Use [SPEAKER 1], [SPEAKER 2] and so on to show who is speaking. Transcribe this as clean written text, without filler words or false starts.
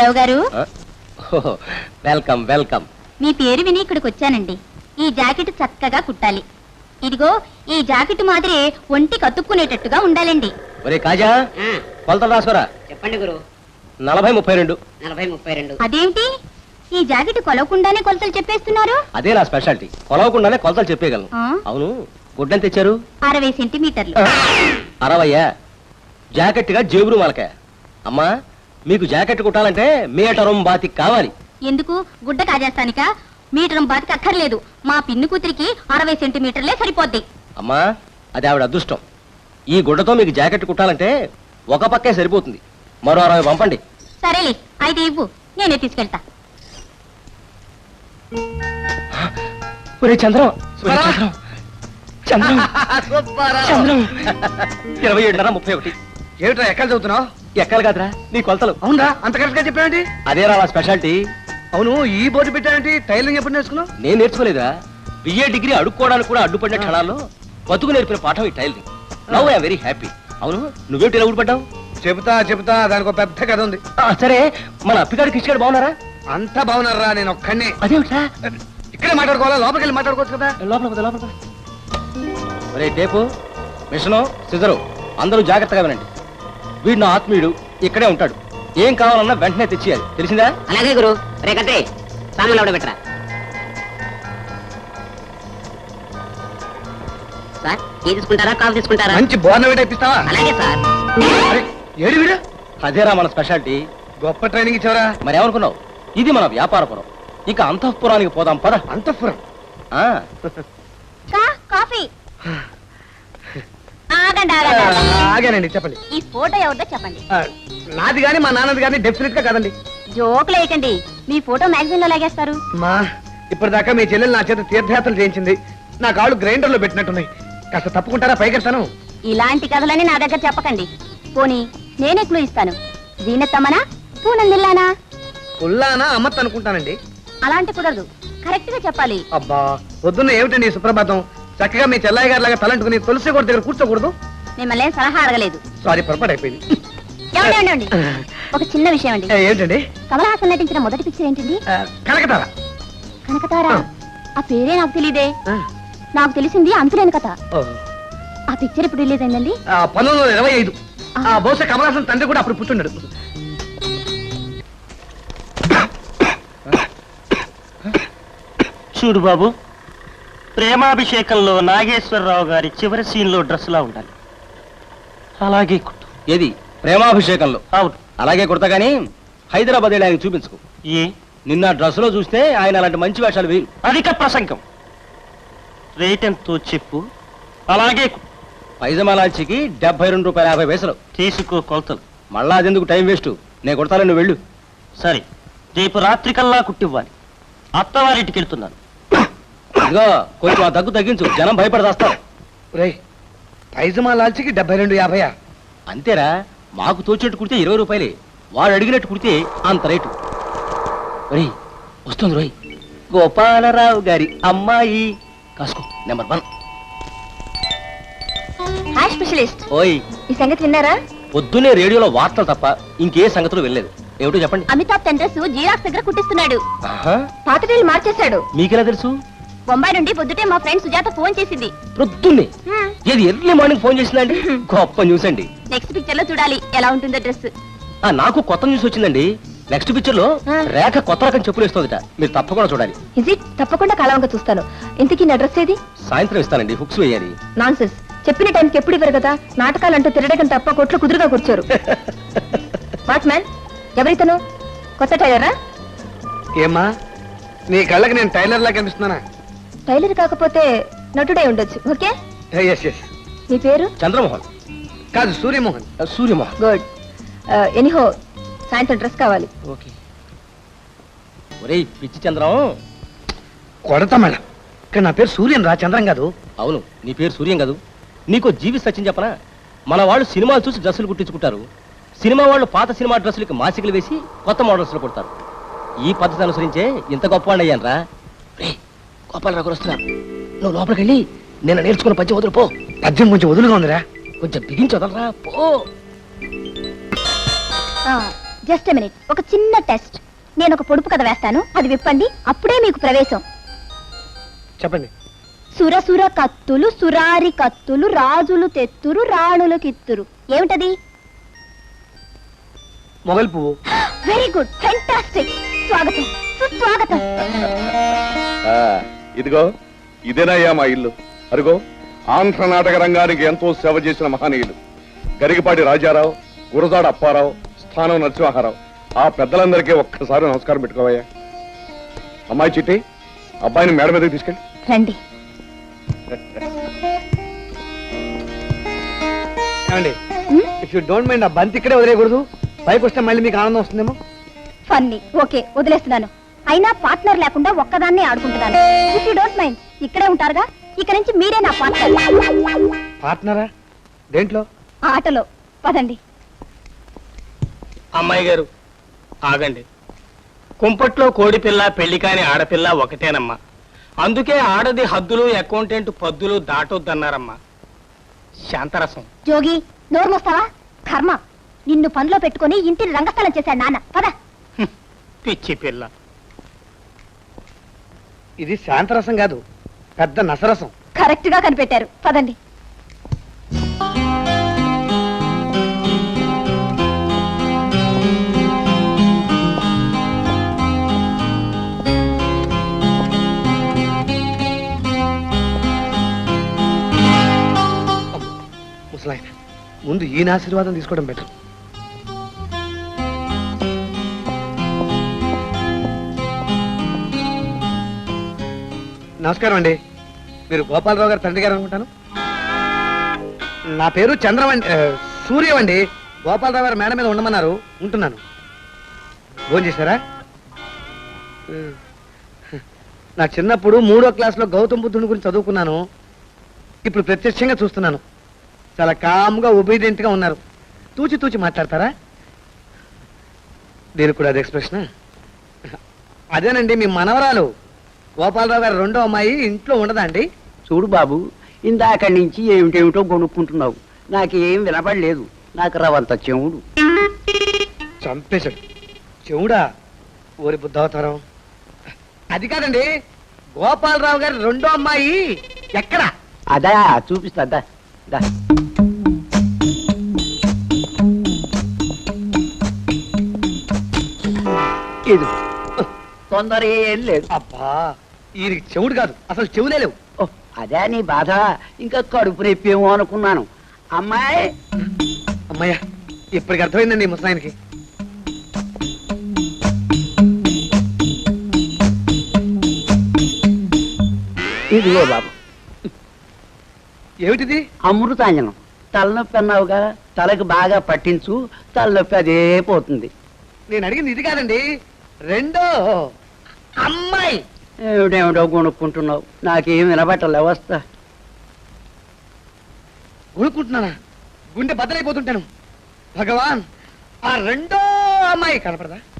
[SPEAKER 1] సుబ్బారావు గారు,
[SPEAKER 2] welcome welcome.
[SPEAKER 1] మీ పేరు విని ఇక్కడికి వచ్చానండి. ఈ జాకెట్ చక్కగా కుట్టాలి. ఇదిగో ఈ జాకెట్ మాదిరి ఒంటి కతుక్కునేటట్టుగా ఉండాలండి.
[SPEAKER 2] ఒరే కాజా, కొలతలు రాసుకోరా.
[SPEAKER 3] చెప్పండి గురు.
[SPEAKER 2] 40-32.
[SPEAKER 3] 40-32.
[SPEAKER 1] అదేంటి ఈ జాకెట్ కొలవకుండానే కొలతలు చెప్పేస్తున్నారు?
[SPEAKER 2] అదే నా స్పెషాలిటీ, కొలవకుండానే కొలతలు చెప్పేయగలను.
[SPEAKER 1] ఆ?
[SPEAKER 2] అవును, గుడ్డని తెచ్చారు?
[SPEAKER 1] 60 సెంటీమీటర్లు.
[SPEAKER 2] 60? జాకెట్ గా జేబురు మలకాయ. అమ్మా, మీకు జాకెట్ కుట్టాలంటే మీటరం బాతి కావాలి.
[SPEAKER 1] ఎందుకు? గుడ్డ కాజేస్తానిక? మీటరం బాతికి అక్కర్లేదు. మా పిన్ని కూతురికి 60 సెంటీమీటర్లే సరిపోద్ది.
[SPEAKER 2] అమ్మా, అది ఆవిడ అదృష్టం. ఈ గుడ్డతో మీకు జాకెట్ కుట్టాలంటే ఒక పక్కే సరిపోతుంది. మరో 60 పంపండి.
[SPEAKER 1] సరేలే, అయితే ఇవ్వు, నేనే తీసుకెళ్తా.
[SPEAKER 2] ఒరే చంద్రం, చంద్రం, చంద్రం. 27:31.
[SPEAKER 4] ఏమిట్రా ఎక్కడ చదువుతున్నావు?
[SPEAKER 2] ఎక్కాలి కాదురా నీ కొలతలు.
[SPEAKER 4] అవునరా, అంత కరెక్ట్ గా చెప్పావేంటి?
[SPEAKER 2] అదేరా నా స్పెషాలిటీ.
[SPEAKER 4] అవును, ఈ బోర్డు పెట్టావేంటి? టైలరింగ్ ఎప్పుడు నేర్చుకున్నావు?
[SPEAKER 2] నేను నేర్చుకోలేదా? BA డిగ్రీ అడుక్కోవడానికి కూడా అడ్డుపడిన క్షణాల్లో బతుకు నేర్పిన పాఠం ఈ tailoring. Now I am very happy. అవును, నువ్వేమిటి ఇలా ఊడిపడ్డావు?
[SPEAKER 4] చెబుతా, దానికి ఒక పెద్ద కథ ఉంది.
[SPEAKER 2] సరే, మన అప్పిగారికి ఇచ్చాడు బాగున్నారా?
[SPEAKER 4] అంతా బాగున్నారా? నేను ఒక్కడిని.
[SPEAKER 2] అదేమిటా?
[SPEAKER 4] ఇక్కడే మాట్లాడుకోవాలా? లోపలికి వెళ్ళి మాట్లాడుకోవచ్చు కదా.
[SPEAKER 2] లోపల. ఒరే టేపు, మిషను, సిజరు అందరూ జాగ్రత్తగా వినండి. వీడు నా ఆత్మీయుడు, ఇక్కడే ఉంటాడు. ఏం కావాలన్నా వెంటనే తెచ్చియాలి, తెలిసిందా?
[SPEAKER 3] అలాగే గురు. రే కట్టే, సామాన్లు ఎవడ పెట్టరా. సార్, టీ తీసుకుంటారా, కాఫీ తీసుకుంటారా?
[SPEAKER 4] మంచి బోర్నవేట ఇప్పిస్తావా?
[SPEAKER 3] అలాగే సార్.
[SPEAKER 4] అరే, ఏడు వీడు?
[SPEAKER 2] అదేరా మన స్పెషాలిటీ.
[SPEAKER 4] గొప్ప ట్రైనింగ్ ఇచ్చావరా.
[SPEAKER 2] మరి ఏమనుకున్నావు? ఇది మన వ్యాపారపురం. ఇక అంతఃపురానికి పోదాం పద.
[SPEAKER 4] అంతఃపురం?
[SPEAKER 1] కాఫీ. ఆగండి.
[SPEAKER 4] ఆగానండి, చెప్పండి.
[SPEAKER 1] ఈ ఫోటో ఎవరిదో చెప్పండి.
[SPEAKER 4] నాది గాని మా నాన్నది గాని డెఫినెట్ గా కాదండి.
[SPEAKER 1] జోకులు వేయకండి, మీ ఫోటో మ్యాగజైన్ లో లాగేస్తారు.
[SPEAKER 4] మా ఇప్పటిదాకా మీ చెల్లెలు నా చేత తీర్థయాత్రలు చేయించింది. నా కాళ్ళు గ్రైండర్ లో పెట్టినట్టున్నాయి. కాస్త తప్పుకుంటారా? పైకెడతాను.
[SPEAKER 1] ఇలాంటి కథలని నా దగ్గర చెప్పకండి. పోనీ నేనే క్లూ ఇస్తాను. దీనత్తమ్మనా, పూనందిల్లానా?
[SPEAKER 4] పుల్లానా అమ్మత్ అనుకుంటానండి.
[SPEAKER 1] అలాంటి కుదరదు, కరెక్ట్ గా చెప్పాలి.
[SPEAKER 4] అబ్బా, పొద్దున్న ఏమిటండి ఈ సుప్రభాతం? చక్కగా మీ చెల్లాయి గారి లాగా తలంటుకుని తులసి కోట దగ్గర కూర్చోకూడదు?
[SPEAKER 1] మిమ్మల్ని సలహా అడగలేదు.
[SPEAKER 4] సారీ, పొరపాటు అయిపోయింది.
[SPEAKER 1] ఏమండి, ఒక చిన్న విషయం అండి.
[SPEAKER 4] ఏంటండి?
[SPEAKER 1] కమల్ హాసన్ నటించిన మొదటి పిక్చర్ ఏంటండి?
[SPEAKER 4] కనకతారా.
[SPEAKER 1] కనకతారా? ఆ పేరే నాకు తెలియదే. నాకు తెలిసింది అంతులేని కథ. ఆ పిక్చర్ ఇప్పుడు రిలీజ్ అయిందండి?
[SPEAKER 4] 1925. బహుశా కమల్ హాసన్ తండ్రి కూడా అప్పుడు పుట్టుండడు.
[SPEAKER 5] చూడు బాబు, ప్రేమాభిషేకంలో నాగేశ్వరరావు గారి చివరి సీన్లో డ్రెస్సులా ఉండాలి. అలాగే కుట్టు.
[SPEAKER 2] ఏది ప్రేమాభిషేకంలో?
[SPEAKER 5] అవును.
[SPEAKER 2] అలాగే కుడతా గానీ హైదరాబాద్ వెళ్ళి ఆయన చూపించుకో.
[SPEAKER 5] ఏ?
[SPEAKER 2] నిన్న డ్రెస్ లో చూస్తే ఆయన అలాంటి మంచి వేషాలు వేరు.
[SPEAKER 5] అధిక ప్రసంగం. రేట్ ఎంతో చెప్పు. అలాగే
[SPEAKER 2] పైజమాలాచికి ₹72.50.
[SPEAKER 5] తీసుకో కొలతలు.
[SPEAKER 2] మళ్ళా అదెందుకు టైం వేస్ట్? నేను కుడతాను, నువ్వు వెళ్ళు.
[SPEAKER 5] సరే, రేపు రాత్రికల్లా కుట్టివ్వాలి. అత్తవారింటికి వెళ్తున్నాను.
[SPEAKER 2] ఇదిగో కొంచెం ఆ దగ్గు తగ్గించు, జనం భయపడదాస్తారు.
[SPEAKER 4] రే, పైజమా లాల్చికి 72.50.
[SPEAKER 2] అంతేరా, మాకు తోచేట్టు కుడితే ₹20. వాడు అడిగినట్టు కుడితే అంత రేటు. ఒరేయ్, వస్తుంది రోయ్, గోపాలరావు గారి అమ్మాయి. కాసుకో, నెంబర్ 1.
[SPEAKER 1] Hi specialist.
[SPEAKER 2] ఓయ్,
[SPEAKER 1] ఈ సంగతి విన్నారా?
[SPEAKER 2] పొద్దునే రేడియోలో వార్తలు తప్ప ఇంకే సంగతులు వెళ్ళలేదు. ఏమిటో చెప్పండి.
[SPEAKER 1] అమితాబ్ తన డ్రెస్ జీరాక్స్ దగ్గర కుట్టిస్తున్నాడు.
[SPEAKER 2] ఆహా,
[SPEAKER 1] పాత డ్రెస్ మార్చేశాడు.
[SPEAKER 2] మీకెలా తెలుసు?
[SPEAKER 1] బొంబాయి నుండి పొద్దుటే మా ఫ్రెండ్ సుజాత ఫోన్ చేసింది.
[SPEAKER 2] పొద్దున్నే? ఏది ఎర్లీ మార్నింగ్ ఫోన్ చేసిందండి? గొప్ప న్యూస్ అండి.
[SPEAKER 1] నెక్స్ట్ పిక్చర్ లో చూడాలి ఎలా ఉంటుందో డ్రెస్.
[SPEAKER 2] నాకు కొత్త న్యూస్ వచ్చిందండి. నెక్స్ట్ పిక్చర్ లో రేఖ కొత్త రకం చెప్పులు వేస్తుందట. మీరు తప్పకుండా చూడాలి.
[SPEAKER 1] Is it? తప్పకుండా కాలంగా చూస్తాను. ఇంతకీ నా డ్రెస్ ఏది?
[SPEAKER 2] సాయంత్రం ఇస్తానండి, హుక్స్ వేయాలి.
[SPEAKER 1] నాన్సెన్స్. చెప్పిన టైంకి ఎప్పుడు ఇవ్వరు కదా. నాటకాలంటూ తిరగడం తప్ప కొట్లు కుదురుగా కూర్చోరు. వాట్ మ్యాన్, ఎవరితను? కొత్త టైలరా?
[SPEAKER 4] ఏమ్మా, నీ కళ్ళకి నేను టైలర్ లా కనిపిస్తున్నానా?
[SPEAKER 1] టైలర్ కాకపోతే నటుడే ఉండొచ్చు. ఓకే.
[SPEAKER 4] ఎస్.
[SPEAKER 1] మీ పేరు?
[SPEAKER 2] చంద్రమోహన్.
[SPEAKER 4] కాదు, సూర్యమోహన్.
[SPEAKER 2] సూర్యమోహన్.
[SPEAKER 1] గుడ్. ఎనీహో, సాయంత్రం డ్రెస్ కావాలి.
[SPEAKER 2] ఓకే. ఒరేయ్ పిచ్చి చంద్రం.
[SPEAKER 4] కొడతా మేడం. ఇక్కడ నా పేరు సూర్యన్ రా, చంద్రం కాదు.
[SPEAKER 2] అవును, నీ పేరు సూర్యం కాదు. నీకో జీవి సత్యం చెప్పనా? మన వాళ్ళు సినిమాలు చూసి డ్రెస్సులు కుట్టించుకుంటారు. సినిమా వాళ్ళు పాత సినిమా డ్రెస్సులకి మాసికలు వేసి కొత్త మోడల్స్లో కుడతారు. ఈ పద్ధతి అనుసరించే ఇంత గొప్పవాడిని అయ్యాను రా. రే, గోపాలరావు గారు వస్తున్నారు. నువ్వు లోపలికి వెళ్ళి నేను నేర్చుకున్న పద్యం వదులు పో.
[SPEAKER 4] పద్యం కొంచెం వదులుగా ఉందిరా.
[SPEAKER 2] కొంచెం బిగించి వదలరా పో.
[SPEAKER 1] జస్ట్ మినిట్, ఒక చిన్న టెస్ట్. నేను ఒక పొడుపు కథ వేస్తాను, అది విప్పండి, అప్పుడే మీకు ప్రవేశం.
[SPEAKER 4] చెప్పండి.
[SPEAKER 1] సురసుర కత్తులు సురారి కత్తులు రాజులు తెత్తురు రాణులు కిత్తురు. ఏమిటది?
[SPEAKER 4] మొగల్ పువ్వు.
[SPEAKER 1] Very good, fantastic. స్వాగతం, సుస్వాగతం.
[SPEAKER 6] ఇదిగో ఇదేనయ్యా మా ఇల్లు. అరుగో ఆంధ్ర నాటక రంగానికి ఎంతో సేవ చేసిన మహనీయులు గరికపాటి రాజారావు, గురజాడ అప్పారావు, స్థానం నరసింహారావు. ఆ పెద్దలందరికీ ఒక్కసారి నమస్కారం పెట్టుకోవయ్యా. అమ్మాయి చిట్టి, అబ్బాయిని మేడ మీదకి తీసుకెళ్ళి
[SPEAKER 1] రండి.
[SPEAKER 4] ఏమండి, ఇఫ్ యూ డోంట్ మైండ్ ఆ బంతి ఇక్కడే వదిలేయకూడదు. పైకి వస్తే మళ్ళీ మీకు ఆనందం వస్తుందేమో.
[SPEAKER 1] ఫన్నీ, ఓకే, వదిలేస్తున్నాను. అయినా పార్ట్నర్ లేకుండా ఒక్కదాన్నే ఆడుకుంటున్నాను. ఇఫ్ యూ డోంట్ మైండ్ ఇక్కడే ఉంటారుగా, ఇక నుంచి మీరే నా పార్ట్నర్.
[SPEAKER 4] పార్ట్నరా? దేంట్లో?
[SPEAKER 1] ఆటలో. పదండి.
[SPEAKER 5] అమ్మాయి గారు ఆగండి. కుంపట్లో కోడిపిల్ల పెళ్లి కాని ఆడపిల్ల ఒకటేనమ్మా. అందుకే ఆడది హద్దులు అకౌంటెంట్ పద్దులు దాటొద్దన్నారమ్మా. శాంతరసం.
[SPEAKER 1] జోగి, నోరు మోస్తావా? కర్మ, నిన్ను పనిలో పెట్టుకుని ఇంటిని రంగస్థలం చేశాడు నాన్న. పద.
[SPEAKER 5] పిచ్చి పిల్ల.
[SPEAKER 4] ఇది శాంతరసం కాదు, పెద్ద నసరసం.
[SPEAKER 1] కరెక్ట్ గా కనిపెట్టారు. పదండి.
[SPEAKER 4] ముసలాయన, ముందు ఈయన ఆశీర్వాదం తీసుకోవడం బెటర్. నమస్కారం అండి. మీరు గోపాలరావు గారు తండ్రి గారు అనుకుంటాను. నా పేరు చంద్రవండి, సూర్యవండి. గోపాలరావు గారు మేడ మీద ఉండమన్నారు, ఉంటున్నాను. భోజనం చేశారా? నా చిన్నప్పుడు 3వ క్లాస్లో గౌతమ బుద్ధుని గురించి చదువుకున్నాను. ఇప్పుడు ప్రత్యక్షంగా చూస్తున్నాను. చాలా కామ్గా ఒబీడియంట్ గా ఉన్నారు. తూచి తూచి మాట్లాడతారా? దీనికి కూడా అది ఎక్స్ప్రెషన్. అదేనండి, మీ మనవరాలు గోపాలరావు గారు రెండో అమ్మాయి ఇంట్లో ఉండదా అండి?
[SPEAKER 7] చూడు బాబు, ఇందాక నుంచి ఏమిటేమిటో కొనుక్కుంటున్నావు. నాకేం వినపడలేదు. నాకు రవంత చెవుడు.
[SPEAKER 4] చంపేశాడు. చెవుడా? ఓరి బుద్ధావతారం. అది కాదండి, గోపాలరావు గారి రెండో అమ్మాయి ఎక్కడ?
[SPEAKER 7] అదా చూపిస్తా. దా, దా. ఇది తొందర ఏం లేదు.
[SPEAKER 4] అబ్బా, ఈయనకి చెవుడు కాదు, అసలు చెవులే లేవు.
[SPEAKER 7] ఓ, అదే నీ బాధ. ఇంకా కడుపు నొప్పేమో అనుకున్నాను. అమ్మాయి.
[SPEAKER 4] అమ్మయ్యా, ఇప్పటికి అర్థమైందండి ఈ ముసలాయనకి.
[SPEAKER 7] ఇదిగో బాబు.
[SPEAKER 4] ఏమిటిది?
[SPEAKER 7] అమృతాంజనం. తలనొప్పి అన్నావుగా, తలకి బాగా పట్టించు, తలనొప్పి అదే పోతుంది.
[SPEAKER 4] నేను అడిగింది ఇది కాదండి, రెండో అమ్మాయి.
[SPEAKER 7] ఏమిటేమిటో కొనుక్కుంటున్నావు. నాకేం వినబట్టలే. వస్తా.
[SPEAKER 4] కొనుక్కుంటున్నానా? గుండె బద్దలైపోతుంటాను. భగవాన్, ఆ రెండో అమ్మాయి కనపడదా?